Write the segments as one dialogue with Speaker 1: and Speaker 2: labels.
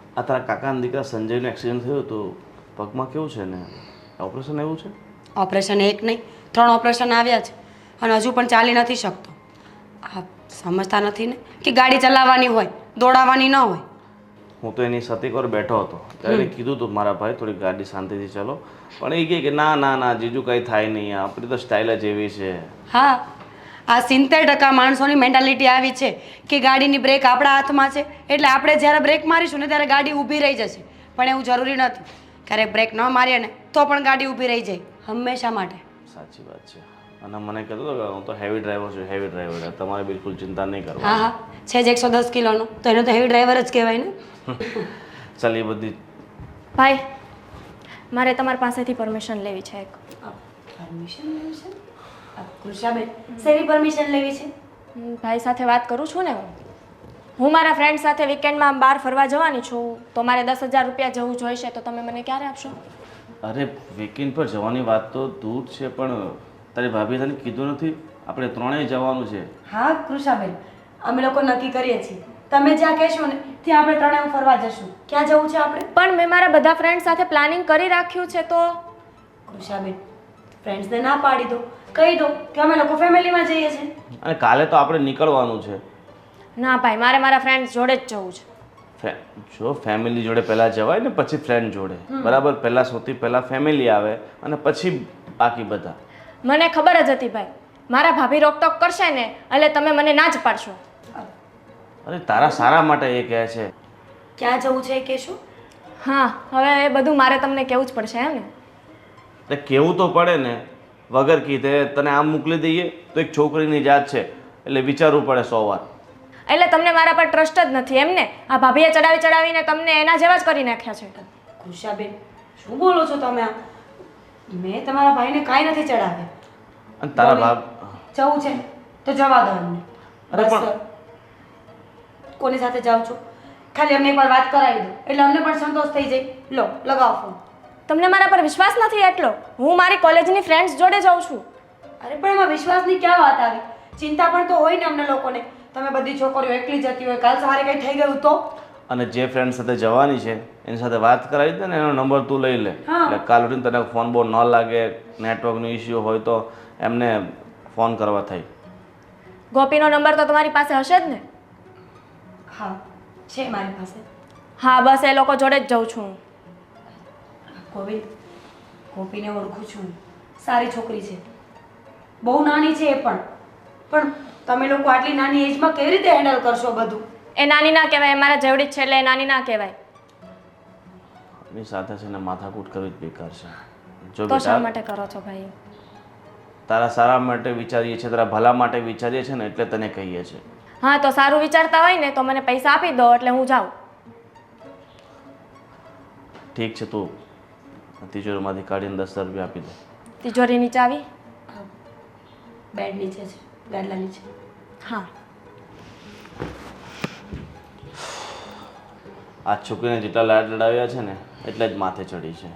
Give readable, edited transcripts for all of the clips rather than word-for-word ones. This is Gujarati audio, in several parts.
Speaker 1: આ તારા કાકાના દીકરા સંજયનો એક્સિડન્ટ થયો તો પગમાં કેવું છે ને ઓપરેશન એવું છે?
Speaker 2: ઓપરેશન એક નહીં 3 ઓપરેશન આવ્યા છે અને હજુ પણ ચાલી નથી શકતો. આ સમજતા નથી ને કે ગાડી ચલાવવાની હોય, દોડાવવાની ન હોય.
Speaker 1: હું તો એની સાથે એકવાર બેઠો હતો ત્યારે એને કીધું હતું મારા ભાઈ થોડી ગાડી શાંતિથી ચલો, પણ એ કહે કે ના ના ના જીજુ કંઈ થાય નહીં, આપણી તો સ્ટાઇલ જ એવી છે.
Speaker 2: હા, આ 70% માણસોની મેન્ટાલિટી આવી છે કે ગાડીની બ્રેક આપણા હાથમાં છે એટલે આપણે જ્યારે બ્રેક મારીશું ને ત્યારે ગાડી ઊભી રહી જશે. પણ એવું જરૂરી નથી. ક્યારેક બ્રેક ન મારીએ ને તો પણ ગાડી ઊભી રહી જાય હંમેશા માટે.
Speaker 1: સાચી વાત છે. અને મને કહેતો હતો કે હું તો હેવી ડ્રાઈવર છું, હેવી ડ્રાઈવર, તમારે બિલકુલ ચિંતા નહીં
Speaker 2: હા
Speaker 1: કરવાની.
Speaker 2: હા, છે જ 110 કિલોનો તો એને તો હેવી ડ્રાઈવર જ કહેવાય ને.
Speaker 1: ચાલ એ બધી
Speaker 3: ભાઈ મારે તમારી પાસેથી પરમિશન લેવી છે એક.
Speaker 2: પરમિશન લેવી છે? કૃષાબેન શેની પરમિશન લેવી છે?
Speaker 3: ભાઈ સાથે વાત કરું છું ને હું મારા ફ્રેન્ડ સાથે વીકેન્ડમાં બહાર ફરવા જવાની છું તો મારે 10,000 રૂપિયા જેવું જોઈશે તો તમે મને ક્યારે આપશો?
Speaker 1: અરે વીકેન્ડ પર જવાની વાત તો દૂર છે, પણ તારી ભાભી તને કીધું નથી આપણે ત્રણેય જવાનું છે?
Speaker 2: હા કૃષાબેન, અમે લોકો નક્કી કરીએ છીએ તમે જ્યાં કહેશો ને ત્યાં આપણે ત્રણેય ફરવા જશું. ક્યાં જવું છે આપણે?
Speaker 3: પણ મેં મારા બધા ફ્રેન્ડ સાથે પ્લાનિંગ કરી રાખ્યું છે તો.
Speaker 2: કૃષાબેન ફ્રેન્ડ્સને ના પાડી દો, કહી દો કે અમે લોકો ફેમિલીમાં જઈએ છીએ.
Speaker 1: અને કાલે તો આપણે નીકળવાનું છે.
Speaker 3: ના ભાઈ મારે મારા ફ્રેન્ડ્સ જોડે જ જવું છે.
Speaker 1: જો ફેમિલી જોડે પહેલાં જવાય ને પછી ફ્રેન્ડ જોડે, બરાબર? પહેલાં સૌથી પહેલાં ફેમિલી આવે અને પછી બાકી બધા.
Speaker 3: મને ખબર જ હતી ભાઈ મારા ભાભી રોકટોક કરશે ને એટલે તમે મને ના જ પાડશો.
Speaker 1: અરે તારા સારા માટે એ કહે છે.
Speaker 2: ક્યાં જવું છે એ કહેશો?
Speaker 3: હા હવે એ બધું મારે તમને કહેવું જ પડશે એમ ને?
Speaker 1: એટલે કહેવું તો પડે ને, વગર કીધે તને આમ મોકલી દઈએ તો એક છોકરીની જાત છે એટલે વિચારવું પડે 100 વાર.
Speaker 3: એટલે તમને મારા પર ટ્રસ્ટ જ નથી એમ ને? આ ભાભીએ ચડાવીને તમને એના જેવા જ કરી નાખ્યા છે.
Speaker 2: કૃષાબેન શું બોલો છો તમે? મેં તમારા ભાઈને કાંઈ નથી ચડાવ્યા.
Speaker 1: અને તારા ભાગ
Speaker 2: જવું છે તો જવા દો અમને.
Speaker 1: અરે
Speaker 2: બસ
Speaker 1: પણ-
Speaker 2: કોની સાથે જાઓ છો ખાલી અમને એકવાર વાત કરાવી દો એટલે અમને પણ સંતોષ થઈ જાય. લો લગાવો ફોન.
Speaker 3: તમને મારા પર વિશ્વાસ નથી એટલો? હું મારી કોલેજની ફ્રેન્ડ્સ જોડે જાઉં છું.
Speaker 2: અરે પણ એમાં વિશ્વાસની ક્યાં વાત આવી? ચિંતા પણ તો હોય ને અમને લોકોને. તમે બધી છોકરીઓ એકલી જતી હોય, કાલ સવારે કંઈ થઈ ગયું તો?
Speaker 1: અને જે ફ્રેન્ડ સાથે જવાની છે એની સાથે વાત કરાવી દે ને, એનો નંબર તું લઈ લે.
Speaker 2: હા.
Speaker 1: એટલે કાલ ઉઠીને તને ફોન બોન ન લાગે, નેટવર્કનો ઇસ્યુ હોય તો એમને ફોન કરવા થાય.
Speaker 3: ગોપીનો નંબર તો તમારી પાસે હશે જ ને?
Speaker 2: હા છે મારી પાસે.
Speaker 3: હા બસ એ લોકો જોડે જ જાઉં છું હું.
Speaker 2: ગોવિંદ, ગોપીને ઓળખું છું, સારી છોકરી છે, બહુ નાની છે એ પણ તમે લોકો આટલી નાની એજમાં કેવી રીતે હેન્ડલ કરશો બધું?
Speaker 3: એ નાની ના કહેવાય, એ મારા જેવડી જ છે એટલે એ નાની ના કહેવાય.
Speaker 1: એની સાથે છે ને માથાકૂટ કરવી જ બેકાર છે. જો
Speaker 3: તો શા
Speaker 1: બેટા
Speaker 3: માટે કરો છો ભાઈ?
Speaker 1: તારા સારા માટે વિચારીએ છીએ, તારા ભલા માટે વિચારીએ છીએ ને એટલે તને કહીએ છીએ.
Speaker 3: હા તો સારું વિચારતા હોય ને તો મને પૈસા આપી દો એટલે હું જાઉં.
Speaker 1: ઠીક છે, તું તિજોરીમાંથી કાઢીને 10,000 રૂપિયા આપી દે.
Speaker 3: તિજોરીની ચાવી?
Speaker 2: બેડ નીચે છે, ગાદલા નીચે.
Speaker 3: હા.
Speaker 1: આ છોકરીને જેટલા લાડ લડાવ્યા છે ને એટલે જ માથે ચડી છે.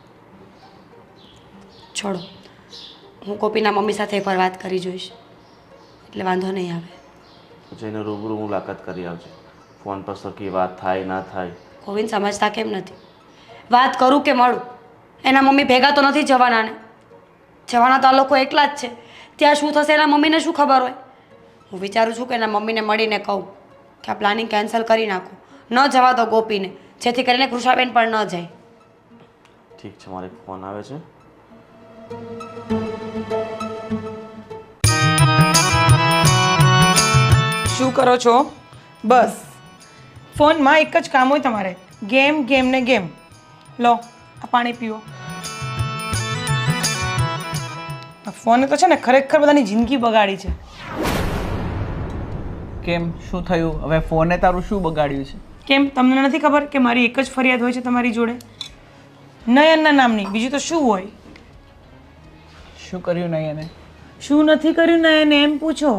Speaker 2: છોડો, હું ગોપીના મમ્મી સાથે એકવાર વાત કરી જોઈશ એટલે વાંધો નહીં આવે.
Speaker 1: પછી એને રૂબરૂ મુલાકાત કરી આવજે. ફોન પર સરખી વાત થાય ના થાય.
Speaker 2: ગોવિંદ સમજતા કેમ નથી? વાત કરું કે મળું, એના મમ્મી ભેગા તો નથી જવાના ને. જવાના તો આ લોકો એકલા જ છે. ત્યાં શું થશે એના મમ્મીને શું ખબર હોય? હું વિચારું છું કે એના મમ્મીને મળીને કહું કે આ પ્લાનિંગ કેન્સલ કરી નાખો, ન જવા દો ગોપીને, જેથી કરીને કૃષાબેન પણ ન જાય.
Speaker 1: ઠીક છે, મારે ફોન આવે છે.
Speaker 4: શું કરો છો? બસ ફોનમાં એક જ કામ હોય તમારે, ગેમ ગેમ ને ગેમ. લો આ પાણી પીઓ. ફોને તો છે ને ખરેખર બધાની જિંદગી બગાડી છે.
Speaker 5: કેમ શું થયું? હવે ફોને તારું શું બગાડ્યું છે?
Speaker 4: કેમ તમને નથી ખબર કે મારી એક જ ફરિયાદ હોય છે તમારી જોડે? નયનના નામની, બીજું તો શું હોય?
Speaker 5: શું કર્યું નહીં એને?
Speaker 4: શું નથી કર્યું નયને એમ પૂછો.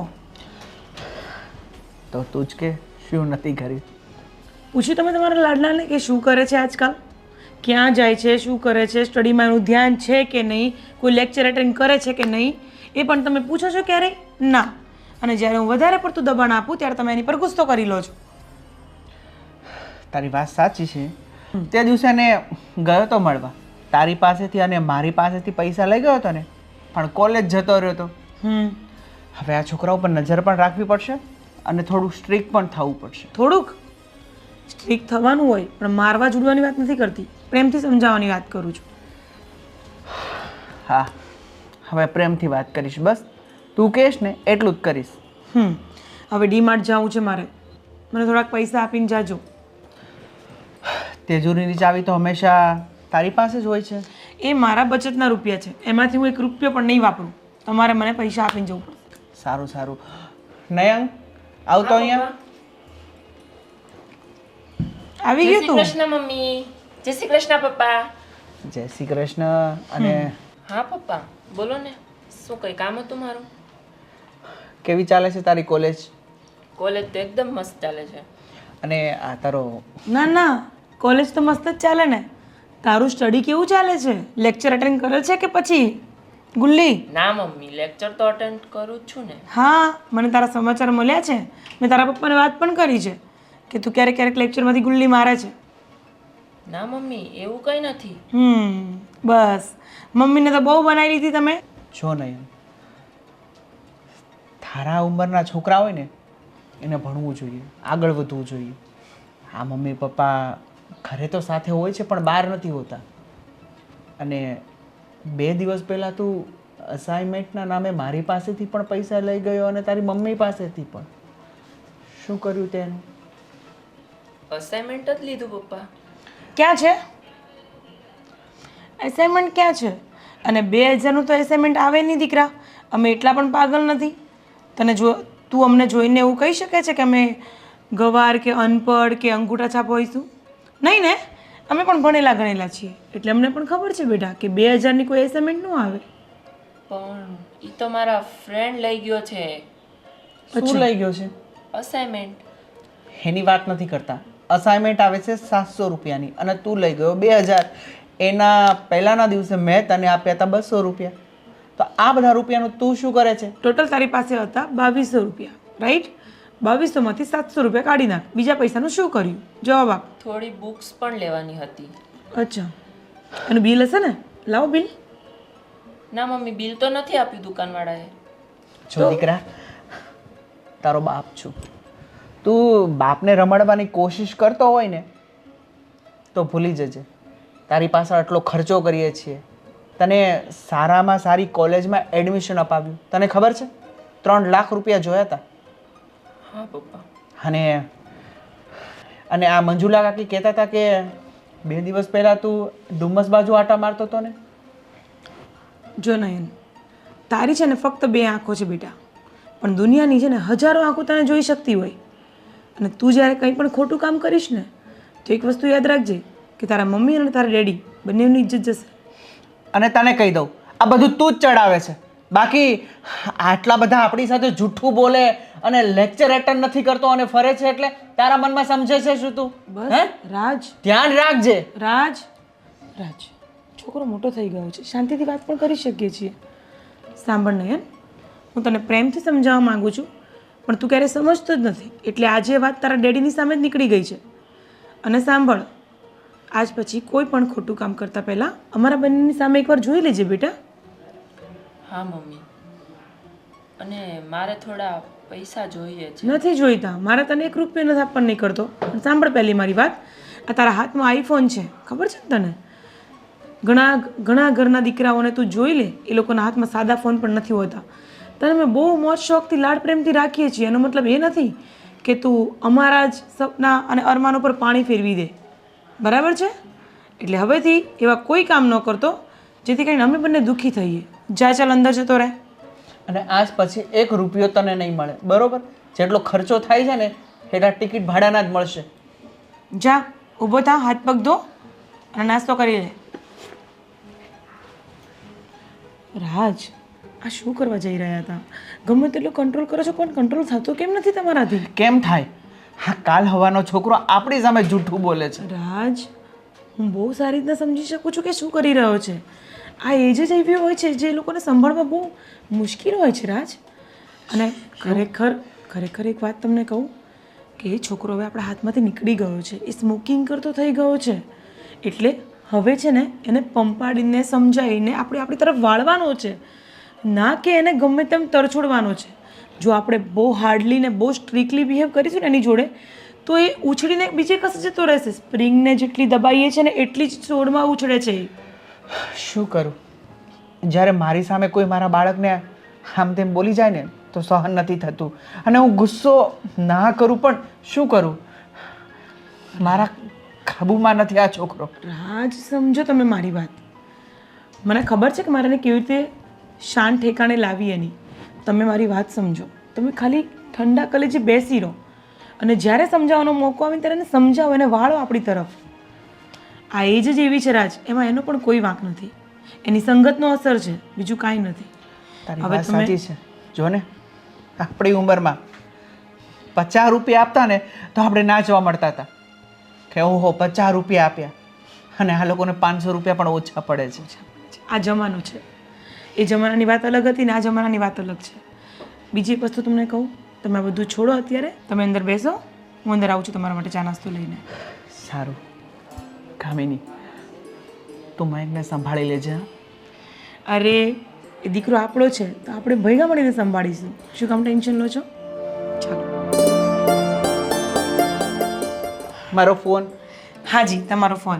Speaker 5: તો તું જ કે શું નથી કર્યું?
Speaker 4: પૂછ્યું તમે તમારા લાડલાને કે શું કરે છે આજકાલ? ક્યાં જાય છે, શું કરે છે, સ્ટડીમાં એનું ધ્યાન છે કે નહીં, કોઈ લેક્ચર એટેન્ડ કરે છે કે નહીં, એ પણ તમે પૂછો છો ક્યારેય? ના. અને જ્યારે હું વધારે પડતું દબાણ આપું ત્યારે તમે એની પર ગુસ્સો કરી લો છો.
Speaker 5: તારી વાત સાચી છે. તે દિવસે ને ગયો તો મળવા તારી પાસેથી અને મારી પાસેથી પૈસા લઈ ગયો હતો ને, પણ કોલેજ જતો રહ્યો હતો. હવે આ છોકરા ઉપર નજર પણ રાખવી પડશે અને થોડું સ્ટ્રિક્ટ પણ થવું પડશે.
Speaker 4: થોડુંક સ્ટ્રિક્ટ થવાનું હોય, પણ મારવા જોડવાની વાત નથી કરતી, પ્રેમથી સમજાવવાની વાત કરું છું.
Speaker 5: હા, હવે પ્રેમથી વાત કરીશ. બસ તું કહેશ ને એટલું જ કરીશ.
Speaker 4: હવે ડીમાર્ટ જવું છે મારે, મને થોડાક પૈસા આપીને જાજો.
Speaker 5: તેજુરીની ચાવી તો હંમેશા તારી પાસે જ હોય છે.
Speaker 4: એ મારા બચતના રૂપિયા છે, એમાંથી હું 1 રૂપિયો પણ નહીં વાપરું. તમારે મને પૈસા આપીને જવું પડશે.
Speaker 5: સારું સારું. નયન આવતો અહીંયા.
Speaker 4: આવી ગયું તું?
Speaker 6: કૃષ્ણ મમ્મી. જય શ્રી કૃષ્ણ પપ્પા.
Speaker 5: જય શ્રી કૃષ્ણ. અને
Speaker 6: હા પપ્પા બોલો ને, શું કઈ કામ હતું મારું?
Speaker 5: કેવી ચાલે છે તારી કોલેજ?
Speaker 6: કોલેજ તો એકદમ મસ્ત ચાલે છે.
Speaker 5: અને આ તારો
Speaker 4: ના ના, કોલેજ તો મસ્ત જ ચાલે ને. તારું સ્ટડી કેવું ચાલે છે? લેક્ચર અટેન્ડ કરે છે કે પછી ગુલ્લી?
Speaker 6: ના મમ્મી, લેક્ચર તો અટેન્ડ કરું જ છું ને.
Speaker 4: હા, મને તારા સમાચાર મળ્યા છે. મેં તારા પપ્પાને વાત પણ કરી છે કે તું ક્યારેક ક્યારેક લેક્ચરમાંથી ગુલ્લી મારે છે.
Speaker 6: ના મમ્મી, એવું કંઈ નથી.
Speaker 4: બસ મમ્મીને તો બહુ બનાવી લીધી તમે.
Speaker 5: જો નયન, તારા ઉંમરના છોકરા હોય ને એને ભણવું જોઈએ, આગળ વધવું જોઈએ. હા, મમ્મી પપ્પા ઘરે તો સાથે હોય છે પણ બહાર નથી હોતા. અને 2 દિવસ પહેલાં તું અસાઇનમેન્ટના નામે મારી પાસેથી પણ પૈસા લઈ ગયો અને તારી મમ્મી પાસેથી પણ. શું કર્યું તેનું?
Speaker 6: અસાઇનમેન્ટ જ લીધું પપ્પા.
Speaker 4: ક્યાં છે એસાઇનમેન્ટ? ક્યાં છે? અને 2000નું તો એસાઇનમેન્ટ આવે નહીં દીકરા. અમે એટલા પણ પાગલ નથી. તને જો તું અમને જોઈને એવું કહી શકે છે કે અમે ગવાર કે અનપઢ કે અંગૂઠા છાપ હોઈશું? નહીં ને, અમે પણ ભણેલા ગણેલા છીએ, એટલે અમને પણ ખબર છે બેટા કે 2000ની કોઈ એસાઇનમેન્ટ ન આવે.
Speaker 6: પણ એ તો મારા ફ્રેન્ડ લઈ ગયો છે
Speaker 5: શું લઈ ગયો છે?
Speaker 6: અસાઇનમેન્ટ.
Speaker 5: એની વાત નથી કરતા. અસાઇનમેન્ટ આવે છે 700 રૂપિયાની અને તું લઈ ગયો 2000. એના પહેલાના દિવસે મેં તને આપ્યા હતા 200 રૂપિયા. તો આ બધા રૂપિયાનું તું શું કરે છે?
Speaker 4: ટોટલ તારી પાસે હતા 2200 રૂપિયા, રાઈટ? 2200માંથી 700 રૂપિયા કાઢી નાખ. બીજા પૈસાનું શું કર્યું? જવાબ આપ.
Speaker 6: થોડી બુક્સ પણ લેવાની હતી.
Speaker 4: અચ્છા, અને બિલ હશે ને? લાવો બિલ.
Speaker 6: ના મમ્મી, બિલ તો નથી આપ્યું દુકાનવાળાએ.
Speaker 5: જો દીકરા, તારો બાપ છું. તું બાપને રમાડવાની કોશિશ કરતો હોય ને તો ભૂલી જજે. તારી પાસે આટલો ખર્ચો કરીએ છીએ, તને સારામાં સારી કોલેજમાં એડમિશન અપાવ્યું. તને ખબર છે 3 લાખ રૂપિયા જોયા હતા.
Speaker 6: હા પપ્પા.
Speaker 5: અને આ મંજુલા કાકી કહેતા હતા કે 2 દિવસ પહેલાં તું ડુમ્મસ બાજુ આટા મારતો હતો ને.
Speaker 4: જો નયન, તારી છે ને ફક્ત 2 આંખો છે બેટા, પણ દુનિયાની છે ને હજારો આંખો તને જોઈ શકતી હોય. અને તું જ્યારે કંઈ પણ ખોટું કામ કરીશ ને તો એક વસ્તુ યાદ રાખજે કે તારા મમ્મી અને તારા ડેડી બંનેની ઇજ્જત જશે.
Speaker 5: અને તને કહી દઉં, આ બધું તું જ ચડાવે છે. બાકી આટલા બધા આપણી સાથે જૂઠું બોલે અને લેક્ચર એટેન્ડ નથી કરતો અને ફરે છે એટલે તારા મનમાં સમજે છે શું તું?
Speaker 4: બસ રાજ,
Speaker 5: ધ્યાન રાખજે.
Speaker 4: રાજ, રાજ, છોકરો મોટો થઈ ગયો છે, શાંતિથી વાત પણ કરી શકીએ છીએ. સાંભળ નયન, હું તને પ્રેમથી સમજાવવા માંગુ છું, પણ તું ક્યારેય સમજતો જ નથી. એટલે આજે વાત તારા ડેડીની સામે જ નીકળી ગઈ છે. અને સાંભળ, આજ પછી કોઈ પણ ખોટું કામ કરતાં પહેલાં અમારા બંનેની સામે એકવાર જોઈ લેજે બેટા.
Speaker 6: હા મમ્મી, અને મારે થોડા પૈસા જોઈએ છે.
Speaker 4: નથી જોઈતા, મારે તને 1 રૂપિયો નથી આપવા નહીં કરતો. પણ સાંભળ પહેલી મારી વાત, આ તારા હાથમાં આઈફોન છે, ખબર છે ને તને? ઘણા ઘરના દીકરાઓને તું જોઈ લે, એ લોકોના હાથમાં સાદા ફોન પણ નથી હોતા. તને મેં બહુ મોજ શોખથી લાડ પ્રેમથી રાખીએ છીએ. એનો મતલબ એ નથી કે તું અમારા જ સપના અને અરમાનો પર પાણી ફેરવી દે, બરાબર છે? એટલે હવેથી એવા કોઈ કામ ન કરતો જેથી કરીને અમે બંને દુઃખી થઈએ. જા, ચાલ અંદર જતો રહે.
Speaker 5: અને આજ પછી 1 રૂપિયો તને નહીં મળે, બરોબર? જેટલો ખર્ચો થાય છે ને એટલા ટિકિટ ભાડાના જ મળશે.
Speaker 4: જા, ઊભો થા, હાથ પગ ધો અને નાસ્તો કરી લે. રાજ, આ શું કરવા જઈ રહ્યા હતા? ગમે તેટલો કંટ્રોલ કરો છો પણ કંટ્રોલ થતો કેમ નથી તમારાથી?
Speaker 5: કેમ થાય? હા, કાલ હવાનો છોકરો આપણી સામે જૂઠું બોલે છે.
Speaker 4: રાજ, હું બહુ સારી રીતના સમજી શકું છું કે શું કરી રહ્યો છે. આ એજ જ એવી હોય છે જે લોકોને સંભાળવા બહુ મુશ્કેલ હોય છે રાજ. અને ખરેખર એક વાત તમને કહું, કે એ છોકરો હવે આપણા હાથમાંથી નીકળી ગયો છે, એ સ્મોકિંગ કરતો થઈ ગયો છે. એટલે હવે છે ને એને પંપાડીને સમજાવીને આપણે આપણી તરફ વાળવાનો છે, ના કે એને ગમે તેમ તરછોડવાનો છે. જો આપણે બહુ હાર્ડલી ને બહુ સ્ટ્રિક્ટલી બિહેવ કરીશું ને એની જોડે તો એ ઉછળીને બીજે કશે જતો રહેશે. સ્પ્રિંગને જેટલી દબાઈએ છે ને એટલી જ છોડમાં ઉછળે છે એ.
Speaker 5: શું કરું? જ્યારે મારી સામે કોઈ મારા બાળકને આમ તેમ બોલી જાય ને તો સહન નથી થતું, અને હું ગુસ્સો ના કરું પણ શું કરું? મારા કાબૂમાં નથી આ છોકરો.
Speaker 4: રાજ, સમજો તમે મારી વાત. મને ખબર છે કે મારે એને કેવી રીતે શાંત ઠેકાણે લાવી એની. તમે મારી વાત સમજો. તમે ખાલી ઠંડા કલેજે બેસી રહો અને જ્યારે સમજાવવાનો મોકો આવે ત્યારે એને સમજાવો, એને વાળો આપણી તરફ. આ એજ જ એવી છે રાજ, એમાં એનો પણ કોઈ વાંક નથી. એની સંગતનો અસર છે, બીજું કાંઈ નથી.
Speaker 5: તારી
Speaker 4: હવે
Speaker 5: વાત
Speaker 4: તમે-
Speaker 5: સાચી છે. જો ને આપણી ઉંમરમાં 50 રૂપિયા આપતા ને તો આપણે નાચવા મળતા હતા કે ઓહો 50 રૂપિયા આપ્યા, અને આ લોકોને 500 રૂપિયા પણ ઓછા પડે છે.
Speaker 4: આ જમાનો છે. એ જમાનાની વાત અલગ હતી ને આ જમાનાની વાત અલગ છે. બીજી એક વસ્તુ તમને કહું, તમે આ બધું છોડો અત્યારે, તમે અંદર બેસો, હું અંદર આવું છું તમારા માટે ચા નાસ્તો લઈને.
Speaker 5: સારું કામિની, તું મયંકને સંભાળી લેજે. હા?
Speaker 4: અરે એ દીકરો આપણો છે તો આપણે ભેગા મળીને સંભાળીશું. શું કામ ટેન્શન લો છો? ચાલો.
Speaker 5: મારો ફોન.
Speaker 4: હાજી, તમારો ફોન.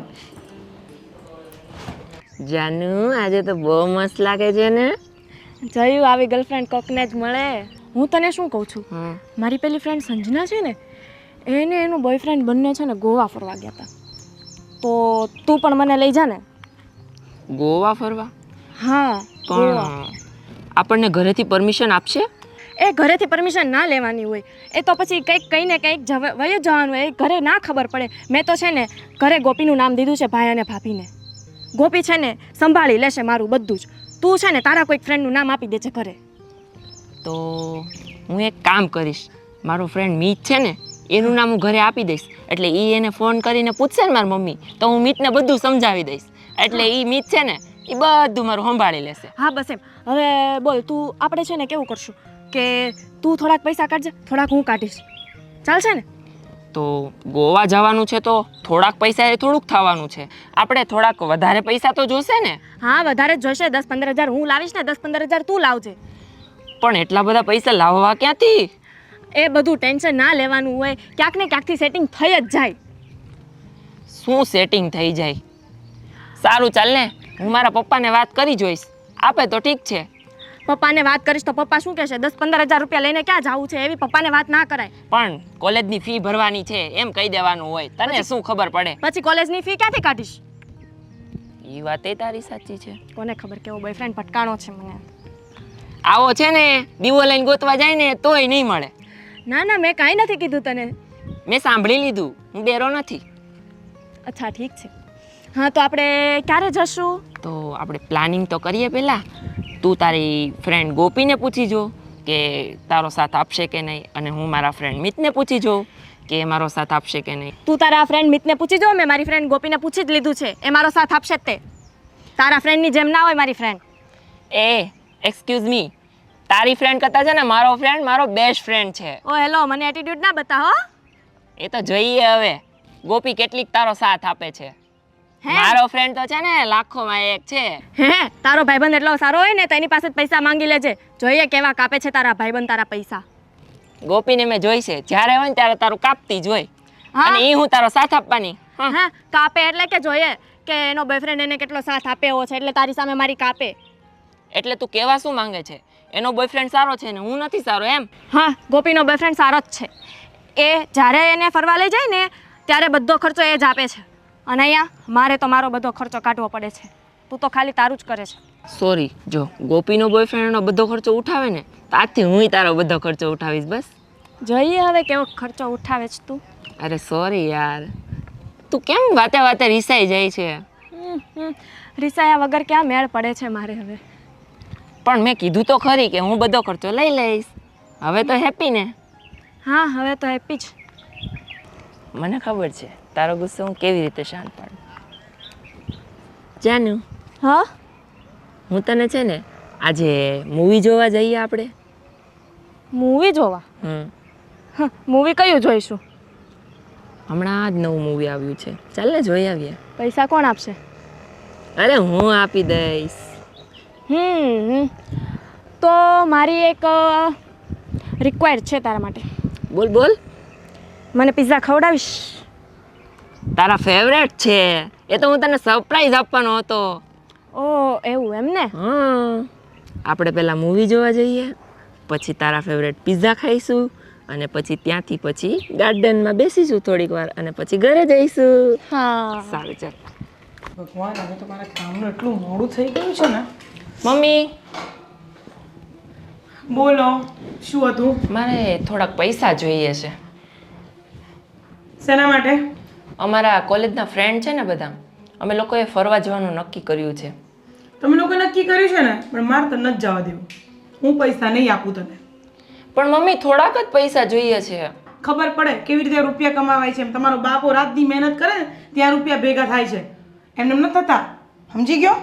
Speaker 6: જાનુ આજે તો બહુ મસ્ત લાગે છે ને.
Speaker 3: જયું આવી ગર્લફ્રેન્ડ કોકને જ મળે. હું તને શું કહું છું,
Speaker 6: હમ.
Speaker 3: મારી પેલી ફ્રેન્ડ સંજના છે ને, એને એનું બોયફ્રેન્ડ બંને છે ને ગોવા ફરવા ગયા હતા. તો તું પણ મને લઈ જા ને.
Speaker 6: ગોવા ફરવા?
Speaker 3: હા, ગોવા.
Speaker 6: પણ આપણને ઘરેથી પરમિશન આપશે?
Speaker 3: એ ઘરેથી પરમિશન ના લેવાની હોય, એ તો પછી કંઈક કહીને કંઈક વયું જવાનું હોય, એ ઘરે ના ખબર પડે. મેં તો છે ને ઘરે ગોપીનું નામ દીધું છે, ભાઈ અને ભાભીને. ગોપી છે ને સંભાળી લેશે મારું બધું જ. તું છે ને તારા કોઈક ફ્રેન્ડનું નામ આપી દેજે ઘરે.
Speaker 6: તો હું એક કામ કરીશ, મારો ફ્રેન્ડ મીત છે ને એનું નામ હું ઘરે આપી દઈશ, એટલે એ એને ફોન કરીને પૂછશે ને મારી મમ્મી, તો હું મીતને બધું સમજાવી દઈશ, એટલે એ મીત છે ને એ બધું મારું સંભાળી લેશે.
Speaker 3: હા બસ એમ. હવે બોલ, તું આપણે છે ને કેવું કરશું કે તું થોડાક પૈસા કાઢજે, થોડાક હું કાઢીશ, ચાલશે ને?
Speaker 6: તો ગોવા જવાનું છે તો થોડાક પૈસા એ થોડુંક થવાનું છે, આપણે થોડાક વધારે પૈસા તો જોશે ને.
Speaker 3: હા વધારે જ જોઈશે. 10-15 હજાર હું લાવીશ ને 10-15 હજાર તું લાવજે.
Speaker 6: પણ એટલા બધા પૈસા લાવવા ક્યાંથી?
Speaker 3: એ બધું ટેન્શન ના લેવાનું હોય, ક્યાંક ને ક્યાંકથી સેટિંગ થઈ જ જાય.
Speaker 6: શું સેટિંગ થઈ જાય? સારું ચાલ ને, હું મારા પપ્પાને વાત કરી જોઈશ, આપે તો ઠીક છે.
Speaker 3: પપ્પાને વાત કરીશ તો પપ્પા શું કહેશે? 10-15 હજાર રૂપિયા લઈને ક્યાં જવું છે? એવી પપ્પાને વાત ના કરાય.
Speaker 6: પણ કોલેજની ફી ભરવાની છે એમ કહી દેવાનું હોય, તને શું ખબર પડે?
Speaker 3: પછી કોલેજની ફી ક્યાંથી કાઢીશ?
Speaker 6: એ વાત એ તારી સાચી છે.
Speaker 3: કોને ખબર કેવો બોયફ્રેન્ડ ભટકાણો છે મને.
Speaker 6: આવો છે ને દીવો લઈને ગોતવા જાય ને તોય નહીં મળે.
Speaker 3: ના ના, મેં કાંઈ નથી કીધું તને.
Speaker 6: મેં સાંભળી લીધું, હું ડેરો નથી.
Speaker 3: અચ્છા ઠીક છે. હા તો આપણે ક્યારે જશું?
Speaker 6: તો આપણે પ્લાનિંગ તો કરીએ પહેલાં. તું તારી ફ્રેન્ડ ગોપીને પૂછી જો કે તારો સાથ આપશે કે નહીં, અને હું મારા ફ્રેન્ડ મિતને પૂછી જોઉં કે મારો સાથ આપશે કે નહીં.
Speaker 3: તું તારા ફ્રેન્ડ મિતને પૂછી જો, મેં મારી ફ્રેન્ડ ગોપીને પૂછી જ લીધું છે, એ મારો સાથ આપશે જ તે. તારા ફ્રેન્ડની જેમ ના હોય મારી ફ્રેન્ડ.
Speaker 6: એ એક્સક્યુઝ મી, તારી ફ્રેન્ડ કરતાં છે ને મારો ફ્રેન્ડ મારો બેસ્ટ ફ્રેન્ડ છે.
Speaker 3: ઓ હેલો, મને એટીટ્યુડ ના બતાવો.
Speaker 6: એ તો જોઈએ હવે ગોપી કેટલીક તારો સાથ આપે છે.
Speaker 3: હે?
Speaker 6: મારો ફ્રેન્ડ તો છે ને લાખોમાં એક છે.
Speaker 3: હે, તારો ભાઈબંધ એટલો સારો હોય ને તો એની પાસે જ પૈસા માંગી લેજે, જોઈએ કેવા કાપે છે તારા ભાઈબંધ તારા પૈસા.
Speaker 6: ગોપીને મેં જોઈ છે, જ્યારે હોય ને ત્યારે તારું કાપતી જ હોય,
Speaker 3: હા.
Speaker 6: અને એ હું તારો સાથ આપવાની. હા.
Speaker 3: હા, કાપે એટલે કે જોઈએ કે એનો બોયફ્રેન્ડ એને કેટલો સાથ આપ્યો છે, એટલે તારી સામે મારી કાપે.
Speaker 6: એટલે તું કેવા શું માંગે છે? એનો બોયફ્રેન્ડ સારો છે ને હું નથી સારો એમ?
Speaker 3: હા, ગોપીનો બોયફ્રેન્ડ સારો જ છે. એ જ્યારે એને ફરવા લઈ જાય ને ત્યારે બધો ખર્ચો એ જ આપે છે, અને અહીંયા મારે તો મારો બધો ખર્ચો કાઢવો પડે છે. તું તો ખાલી તારું જ કરે છે.
Speaker 6: સોરી, જો ગોપીનો બોયફ્રેન્ડ એનો બધો ખર્ચો ઉઠાવે ને તો આજથી હું તારો બધો ખર્ચો ઉઠાવીશ. બસ
Speaker 3: જોઈએ હવે કેવો ખર્ચો ઉઠાવે છે તું.
Speaker 6: અરે સોરી યાર, તું કેમ વાતે વાતે રિસાઈ જાય છે?
Speaker 3: રિસાયા વગર ક્યાં મેળ પડે છે મારે હવે.
Speaker 6: પણ મેં કીધું તો ખરી કે હું બધો ખર્ચો લઈ લઈશ. હવે તો હેપી ને?
Speaker 3: હા, હવે તો હેપી જ.
Speaker 6: મને ખબર છે તારો ગુસ્સો હું કેવી રીતે શાંત પાડું. જાનુ,
Speaker 3: હા,
Speaker 6: હું તને છે ને આજે મૂવી જોવા જઈએ આપણે.
Speaker 3: મૂવી જોવા? મૂવી કયું જોઈશું?
Speaker 6: હમણાં જ નવું મૂવી આવ્યું છે, ચાલ ને જોઈ આવીએ.
Speaker 3: પૈસા કોણ આપશે?
Speaker 6: અરે હું આપી દઈશ.
Speaker 3: તો મારી એક રિક્વાયર્ડ છે તારા માટે.
Speaker 6: બોલ બોલ.
Speaker 3: મને પિઝા ખવડાવીશ?
Speaker 6: તારા ફેવરેટ છે, એ તો હું તને સરપ્રાઈઝ આપવાનો હતો.
Speaker 3: ઓ એવું એમ ને?
Speaker 6: હા, આપણે પહેલાં મૂવી જોવા જઈએ, પછી તારા ફેવરેટ પિઝા ખાઈશું, અને પછી ત્યાંથી પછી ગાર્ડનમાં બેસીશું થોડીક વાર, અને પછી ઘરે જઈશું.
Speaker 3: હા.
Speaker 6: સારું ચાલ.
Speaker 4: ભગવાન, હવે તો મારા કામનું એટલું મોડું થઈ ગયું છે ને.
Speaker 6: મમ્મી,
Speaker 4: બોલો, શું હતું?
Speaker 6: મારે થોડાક પૈસા જોઈએ છે.
Speaker 4: શેના માટે?
Speaker 6: અમારા કોલેજના ફ્રેન્ડ છે ને બધા, અમે લોકોએ ફરવા જવાનું નક્કી કર્યું છે.
Speaker 4: તમે લોકો નક્કી કર્યું છે ને, પણ મારે તો નથી જવા દેવું. હું પૈસા નહીં આપું તને.
Speaker 6: પણ મમ્મી થોડાક જ પૈસા જોઈએ છે.
Speaker 4: ખબર પડે કેવી રીતે રૂપિયા કમાવાય છે. એમ તમારો બાપો રાતની મહેનત કરે ને ત્યાં રૂપિયા ભેગા થાય છે, એમને એમ નથી થતા. સમજી ગયો?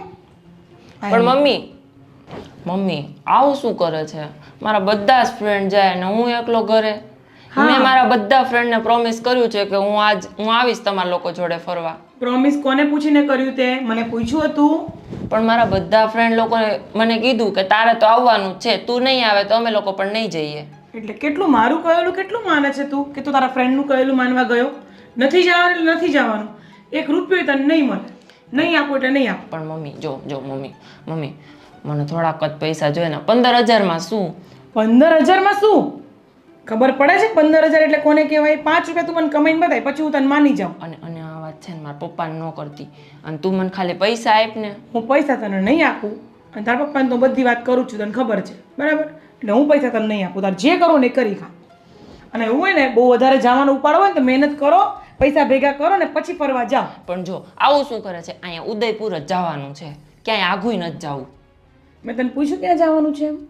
Speaker 6: પણ મમ્મી આવું શું કરે છે? મારા બધા જ ફ્રેન્ડ જાય ને હું એકલો ઘરે. મેં મારા બધા ફ્રેન્ડને પ્રોમિસ કર્યું છે કે હું આવીશ તમારા લોકો જોડે ફરવા.
Speaker 4: પ્રોમિસ કોને પૂછીને કર્યું તે? મને પૂછ્યું હતું?
Speaker 6: પણ મારા બધા ફ્રેન્ડ લોકોએ મને કીધું કે તારે તો આવવાનું જ છે, તું નહીં આવે તો અમે લોકો પણ નહીં જઈએ.
Speaker 4: એટલે કેટલું મારું કહેલું કેટલું માને છે તું? કે તું તારા ફ્રેન્ડનું કહેલું માનવા ગયો? નથી જવાનું એટલે નથી જવાનું. 1 રૂપિયો તને નહીં મળે. નહીં આપો એટલે નહીં આપો.
Speaker 6: પણ મમ્મી જો મમ્મી મને થોડાક જ પૈસા જોઈએ ને. 15,000માં શું?
Speaker 4: 15,000માં શું? ખબર પડે છે 15,000 એટલે કોને કહેવાય? 5 રૂપિયા તું મને કમાઈને બતાય, પછી હું તને માની જાઉં.
Speaker 6: અને આ વાત છે ને મારા પપ્પાને ન કરતી, અને તું મને ખાલી પૈસા આપ ને.
Speaker 4: હું પૈસા તને નહીં આપું, અને તારા પપ્પાને તો બધી વાત કરું છું, તને ખબર છે બરાબર? એટલે હું પૈસા તને નહીં આપું. તારે જે કરવું ને એ કરી ખા. અને એવું હોય ને બહુ વધારે જવાનું ઉપાડો હોય ને તો મહેનત કરો, પૈસા ભેગા કરો ને પછી ફરવા જાઓ.
Speaker 6: પણ જો આવું શું કરે છે? અહીંયા ઉદયપુર જ જવાનું છે, ક્યાંય આઘુય નથી જવું.
Speaker 4: મેં તને પૂછ્યું ક્યાં જવાનું છે એમ?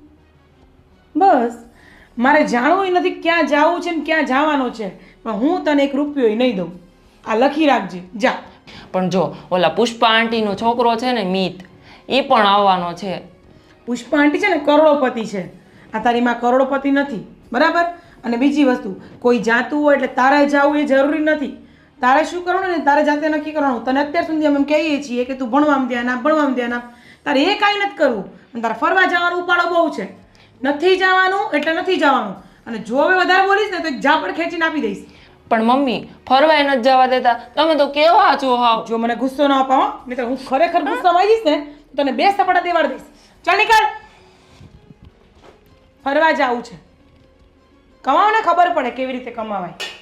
Speaker 4: બસ મારે જાણવું નથી ક્યાં જવું છે ને ક્યાં જવાનો છે, પણ હું તને 1 રૂપિયો નહીં દઉં. આ લખી રાખજે, જા.
Speaker 6: પણ જો ઓલા પુષ્પા આંટીનો છોકરો છે ને મિત, એ પણ આવવાનો છે.
Speaker 4: પુષ્પા આંટી છે ને કરોડોપતિ છે, આ તારી માં કરોડોપતિ નથી બરાબર? અને બીજી વસ્તુ, કોઈ જાતું હોય એટલે તારે જવું એ જરૂરી નથી. તારે શું કરવાનું ને તારે જાતે નક્કી કરવાનું. તને અત્યાર સુધી અમે કહીએ છીએ કે તું ભણવામાં ધ્યાન આપ, ભણવામાં ધ્યાન આપ. તારે એ કાંઈ નથી કરવું. અને તારે ફરવા જવાનું ઉપાડો બહુ છે. નથી જવાનું એટલે નથી જવાનું. અને જો હવે વધારે બોલીશ ને તો એક ઝાપડ ખેંચીને આપી દઈશ.
Speaker 6: પણ મમ્મી ફરવાય નથી જવા દેતા, તમે તો કેવા છો હાવ.
Speaker 4: જો મને ગુસ્સો ન અપાવો, નહીં તો હું ખરેખર ગુસ્સામાં આવી જઈશ ને તો તને 2 સપાટા દેવાડ દઈશ. ચાલ નીકળ. ફરવા જવું છે, કમાવો ને ખબર પડે કેવી રીતે કમાવાય.